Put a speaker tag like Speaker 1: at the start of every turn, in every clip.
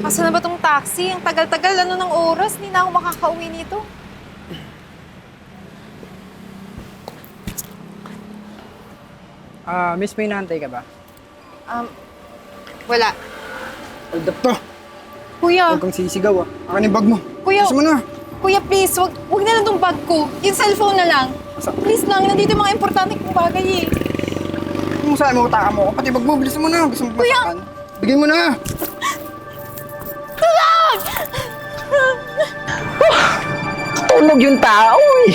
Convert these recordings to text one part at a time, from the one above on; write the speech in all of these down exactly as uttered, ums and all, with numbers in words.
Speaker 1: Asan na ba tong taxi? Ang tagal-tagal, ano ng oras? Hindi na ako makakauwi nito.
Speaker 2: Ah, miss, may inaantay ka ba?
Speaker 1: Um, wala.
Speaker 2: Hold up to.
Speaker 1: Kuya,
Speaker 2: Huwag kang sisigaw ah. Akin yung bag mo.
Speaker 1: Kuya.
Speaker 2: Gusto mo na.
Speaker 1: kuya please, wag, wag na lang tong bag ko. Yung cellphone na lang. Please lang, nandito yung mga importante kong bagay eh.
Speaker 2: Kung saan mo utaka mo, pati bag mo, bilis mo na. Gusto mo
Speaker 1: Kuya!
Speaker 2: masaktan? Bigay mo na.
Speaker 1: Tulong!
Speaker 3: Tulog yung tao eh.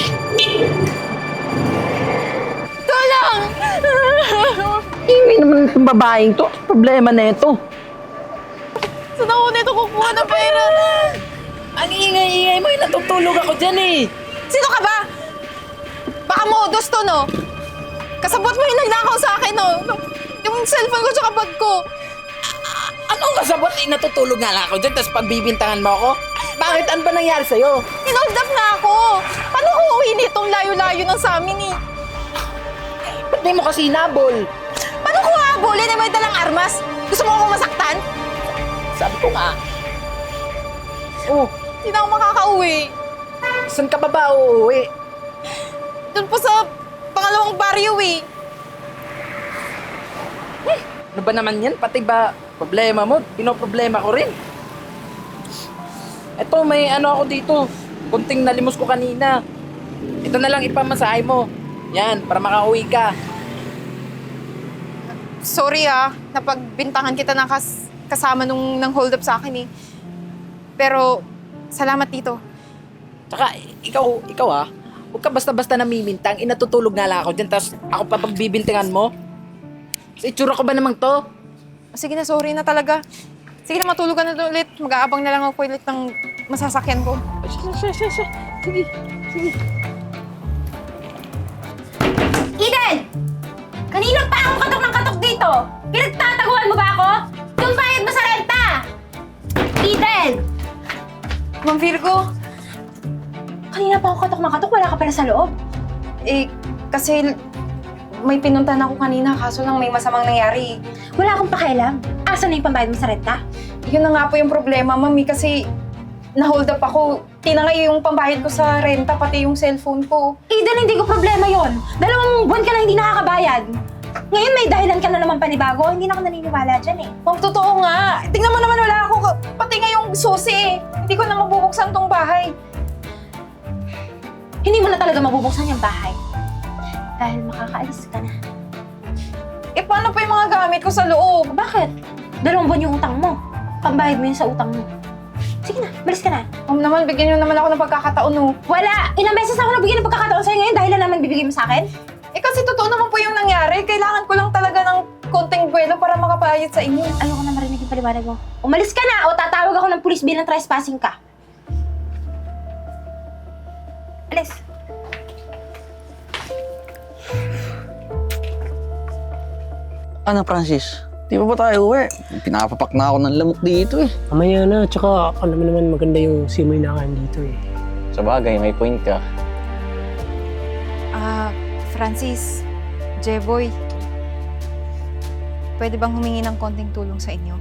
Speaker 1: Tulong!
Speaker 3: Iwi naman itong babaeng to. Problema na ito.
Speaker 1: Saan ako nito kukuha ng pera?
Speaker 3: Ang ingay-ingay mo, eh, natutulog ako dyan eh.
Speaker 1: Sino ka ba? Baka modos to, no? Kasabot mo yung nagnakaw sa akin, no? Yung cellphone ko tsaka bag ko.
Speaker 3: Anong kasabot eh, natutulog nga lang ako dyan, tapos pagbibintangan mo ako? Bakit? Ano ba nangyari sa'yo?
Speaker 1: Hinold up na ako. Paano ko uwi nitong layo-layo ng sa amin, eh?
Speaker 3: Ba't di mo kasi hinabol?
Speaker 1: Paano ko habulin na may dalang armas? Gusto mo akong masaktan?
Speaker 3: Sabi ko nga. Oh,
Speaker 1: Hindi na ako makakauwi.
Speaker 3: saan ka ba ba uuwi?
Speaker 1: Doon po sa pangalawang baryo, eh.
Speaker 3: Ano ba naman yan? Pati ba problema mo? Pinoproblema ko rin. Eto, may ano ako dito. Kunting nalimos ko kanina. Ito na lang ipamasahe mo. Yan, para makauwi ka.
Speaker 1: Sorry ah, napagbintangan kita ng kas kasama nung nang hold up sa akin eh. Pero, salamat dito.
Speaker 3: Tsaka, ikaw, ikaw ha, huwag ka basta-basta namimintang. Inatutulog nga lang ako dyan, tapos ako pa pagbibintangan mo. Sa itsura ko ba namang to?
Speaker 1: Sige na, sorry na talaga. Sige na, matulog ka na ulit. Mag-aabang na lang ako ulit ng masasakyan ko.
Speaker 3: Sige, sige, sige. Sige, sige.
Speaker 4: Eden! Kanina pa ako katok ng katok dito! Pinagtataguan mo ba ako? Yung bayad mo sa renta! Eden!
Speaker 1: Ma'am Virgo,
Speaker 4: Kanina pa ako katok ng katok, wala ka pala sa loob.
Speaker 1: eh, kasi may pinuntahan ako kanina, kaso lang may masamang nangyari.
Speaker 4: Wala akong pakialam. Asa na yung pambayad mo sa renta?
Speaker 1: Yun na nga po yung problema, ma'am, eh, kasi na-hold up ako. Tinangay yung pambayad ko sa renta, pati yung cellphone ko.
Speaker 4: Eden, hindi ko problema yon. Dalawang buwan ka na hindi nakakabayad. Ngayon may dahilan ka na naman panibago. Hindi na ako naniniwala dyan eh.
Speaker 1: Ma'am, totoo nga. Tingnan mo naman, wala ako. Pati nga yung susi eh. Hindi ko na mabubuksan tong bahay.
Speaker 4: Hindi mo na talaga mabubuksan yung bahay. Dahil makakaalis ka na.
Speaker 1: Eh, paano pa yung mga gamit ko sa loob?
Speaker 4: Bakit? Dalawang buwan yung utang mo. Pambayad mo yun sa utang mo. Sige na, balis ka na.
Speaker 1: Ma'am naman, bigyan niyo naman ako ng pagkakataon, no?
Speaker 4: Wala! Ilang beses ako nabigyan ng pagkakataon sa'yo ngayon dahil na naman bibigay mo sa akin?
Speaker 1: Eh, kasi totoo naman po yung nangyari. Kailangan ko lang talaga ng konting buwelo para makapayad sa inyo.
Speaker 4: Ayoko na marinig yung paliwanag mo. Umalis ka na o tatawag ako ng pulis bilang trespassing ka. Alis.
Speaker 5: Ano, Francis? Di ba ba tayo uwi? Pinapapak na ako ng lamok dito eh.
Speaker 6: Mamaya na, tsaka alam mo naman maganda yung simoy na kain dito eh.
Speaker 5: Sa bagay, may point ka.
Speaker 1: Ah, Francis, Jeboy, pwede bang humingi ng konting tulong sa inyo?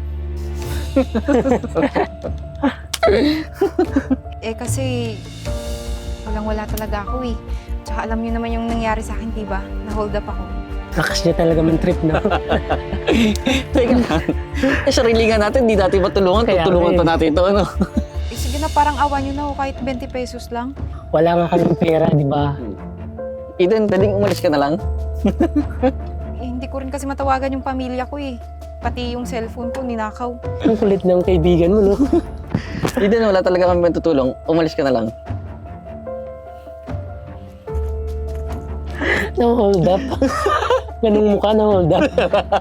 Speaker 1: Eh, kasi walang-wala talaga ako eh. Tsaka alam niyo naman yung nangyari sa akin, diba? Na-hold up ako.
Speaker 6: Lakas niya talaga man trip na.
Speaker 5: Teka lang. Eh, sarili nga natin, di natin matulungan.
Speaker 6: Kaya
Speaker 5: Tutulungan
Speaker 6: nga
Speaker 5: pa
Speaker 6: eh.
Speaker 5: natin ito, ano?
Speaker 1: Eh, sige na, parang awa niyo na ako kahit twenty pesos lang.
Speaker 6: Wala nga kaming pera, di ba?
Speaker 5: Eden, pwedeng umalis ka na lang?
Speaker 1: Eh, hindi ko rin kasi matawagan yung pamilya ko eh. Pati yung cellphone ko, ninakaw.
Speaker 6: Ang kulit ng kaibigan mo, no?
Speaker 5: Eden, wala talaga kami tutulong. Umalis ka na lang.
Speaker 6: Na-hold up. Ganung mukha na-hold up.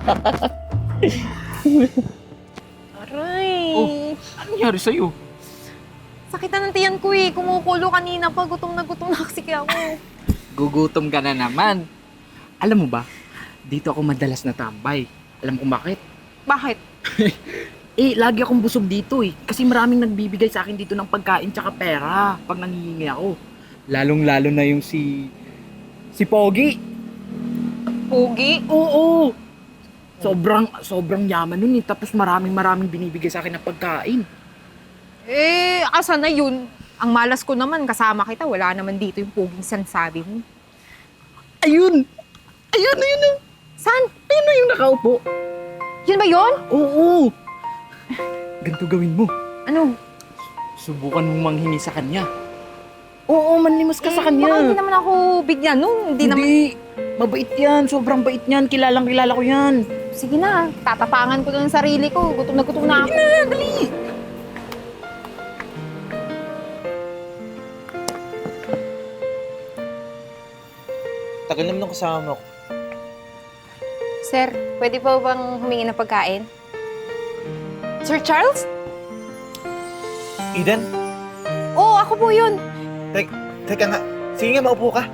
Speaker 1: Aray!
Speaker 3: Oh. Ano nangyari sa'yo?
Speaker 1: Sakit na ng tiyan ko eh. Kumukulo kanina pa. Gutom na gutom na kasi ako.
Speaker 3: Gugutom ka na naman. Alam mo ba, dito ako madalas natambay. Alam kung bakit?
Speaker 1: Bakit?
Speaker 3: Eh, lagi akong busog dito eh. Kasi maraming nagbibigay sa akin dito ng pagkain tsaka pera pag nangihingi ako. Lalong-lalo na yung si... si Pogi.
Speaker 1: Pugi?
Speaker 3: Oo! Sobrang, sobrang yaman nun eh. Tapos maraming maraming binibigay sa akin ng pagkain.
Speaker 1: Eh, asa na yun? Ang malas ko naman, kasama kita. Wala naman dito yung puging sinasabi mo.
Speaker 3: Ayun! Ayun, ayun, ayun!
Speaker 1: Saan?
Speaker 3: Ayun na yung nakaupo.
Speaker 1: Yun ba yun?
Speaker 3: Oo! Ganito gawin mo.
Speaker 1: Ano?
Speaker 3: Subukan mong manghingi sa kanya. Oo, manlimos ka sa kanya.
Speaker 1: Baka hindi naman ako bigyan nun. Hindi, naman.
Speaker 3: Hindi. Mabait yan. Sobrang bait yan. Kilalang kilala ko yan.
Speaker 1: Sige na, tatapangan ko na ng sarili ko. Gutom na gutom na ako.
Speaker 3: Sige na, dali.
Speaker 7: Tagal naman ng kasama ko.
Speaker 4: Sir, pwede po bang humingi ng pagkain?
Speaker 1: Sir Charles?
Speaker 7: Eden?
Speaker 1: Oo, ako po yun.
Speaker 7: Tek, teka nga. Sige nga, maupo ka.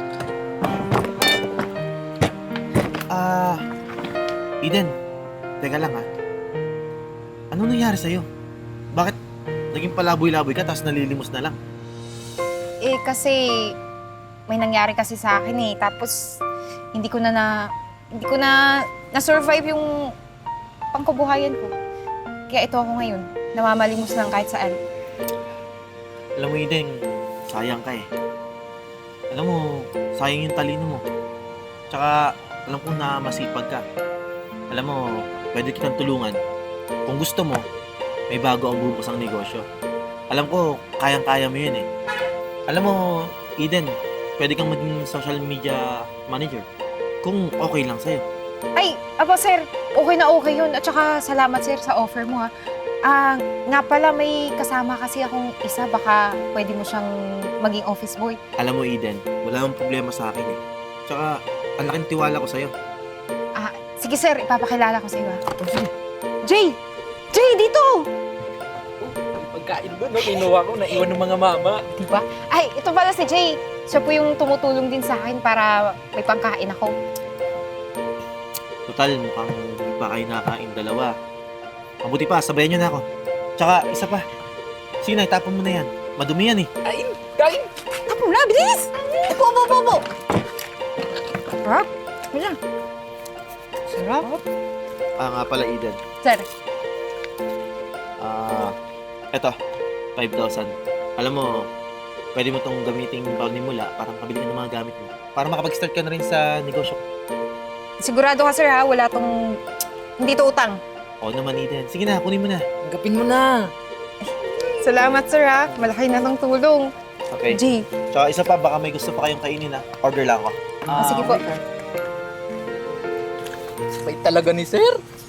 Speaker 7: Ah, Eden. Teka lang ha. Ano nangyari sa'yo? Bakit naging palaboy-laboy ka tapos nalilimos na lang?
Speaker 4: Eh, kasi may nangyari kasi sa akin eh. Tapos, hindi ko na na... Hindi ko na na-survive yung pangkabuhayan ko. Kaya ito ako ngayon. Namamalimos lang kahit saan.
Speaker 7: Alam mo, Eden, sayang ka eh. Alam mo, sayang yung talino mo. Tsaka, alam ko na masipag ka. Alam mo, pwede kitang tulungan. Kung gusto mo, may bago ang bubukas ang negosyo. Alam ko, kayang-kaya mo yun eh. Alam mo, Eden, pwede kang maging social media manager. Kung okay lang sa'yo.
Speaker 4: Ay, aba sir, okay na okay yun. At saka salamat sir sa offer mo ha. Ah, nga pala may kasama kasi akong isa. Baka pwede mo siyang maging office boy.
Speaker 7: Alam mo, Eden, wala akong problema sa akin eh. Tsaka, ang laking tiwala ko sa'yo.
Speaker 4: Ah, sige sir, ipapakilala ko sa iyo ha.
Speaker 1: Jay! Jay, dito!
Speaker 3: Pagkain doon, no? Kinuha ko, naiwan ng mga mama.
Speaker 4: Diba? Ay, ito pala si Jay. Siya po yung tumutulong din sa akin para may pangkain ako.
Speaker 7: Total, mukhang hindi pa kayo nakakain dalawa. Mabuti pa, sabayan nyo na ako. Tsaka, isa pa. Sige na, itapon mo na yan. Madumi yan eh.
Speaker 3: Kain! Kain!
Speaker 1: Tapo na, bilis! Upo, upo, upo, upo! Sarap. Wala. Sarap.
Speaker 7: Ah, nga pala, Eden.
Speaker 4: Sir,
Speaker 7: Ah, eto, five thousand. Alam mo, pwede mo tong gamiting paunimula para makabili ka ng mga gamit mo. Para makapag-start ka na rin sa negosyo ko.
Speaker 4: sigurado ka sir ha, wala tong... Hindi to utang.
Speaker 7: Oo naman, Eden. Sige na, kunin mo na.
Speaker 3: Tanggapin mo na.
Speaker 1: Salamat, sir, ha. Malaki na ng tulong.
Speaker 7: Okay.
Speaker 1: Jay,
Speaker 7: Tsaka isa pa, baka may gusto pa kayong kainin ha. Order lang ako.
Speaker 4: Ah, sige po.
Speaker 3: Sabay talaga ni sir.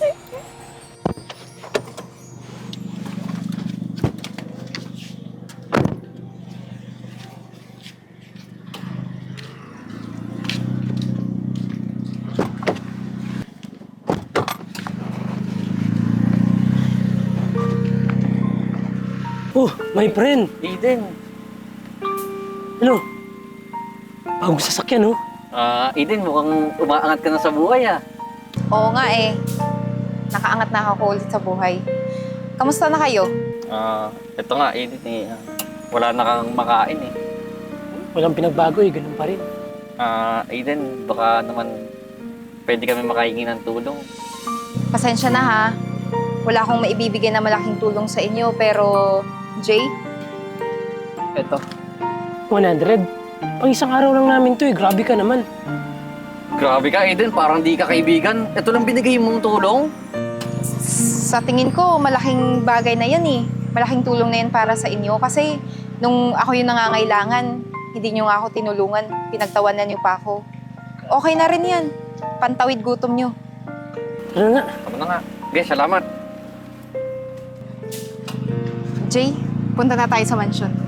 Speaker 6: Oh, my friend.
Speaker 5: Eden.
Speaker 6: Ano? Bagong sasakyan, oh.
Speaker 5: Ah, Eden, mukhang umaangat ka na sa buhay ah.
Speaker 4: Oo nga eh. Nakaangat na ako ulit sa buhay. Kamusta na kayo?
Speaker 5: Ah, ito nga, Eden eh. ah, Wala na kang makain eh.
Speaker 6: Walang pinagbago, eh. Ganun pa rin.
Speaker 5: Ah, Eden, baka naman pwede kami makahingi ng tulong.
Speaker 4: Pasensya na ha. Wala akong maibibigay na malaking tulong sa inyo, pero... Jay?
Speaker 5: Ito.
Speaker 6: one hundred. Pang isang araw lang namin to, eh. Grabe ka naman.
Speaker 5: Grabe ka, Eden. Parang di ka kaibigan. Ito lang binigay mong tulong.
Speaker 4: Sa tingin ko, malaking bagay na yan eh. Malaking tulong na yan para sa inyo. Kasi nung ako yung nangangailangan, hindi nyo nga ako tinulungan. Pinagtawanan nyo pa ako. Okay na rin yan. Pantawid gutom nyo.
Speaker 6: Ano nga?
Speaker 5: Tama na nga. Okay, salamat.
Speaker 4: Jay, punta na tayo sa mansyon.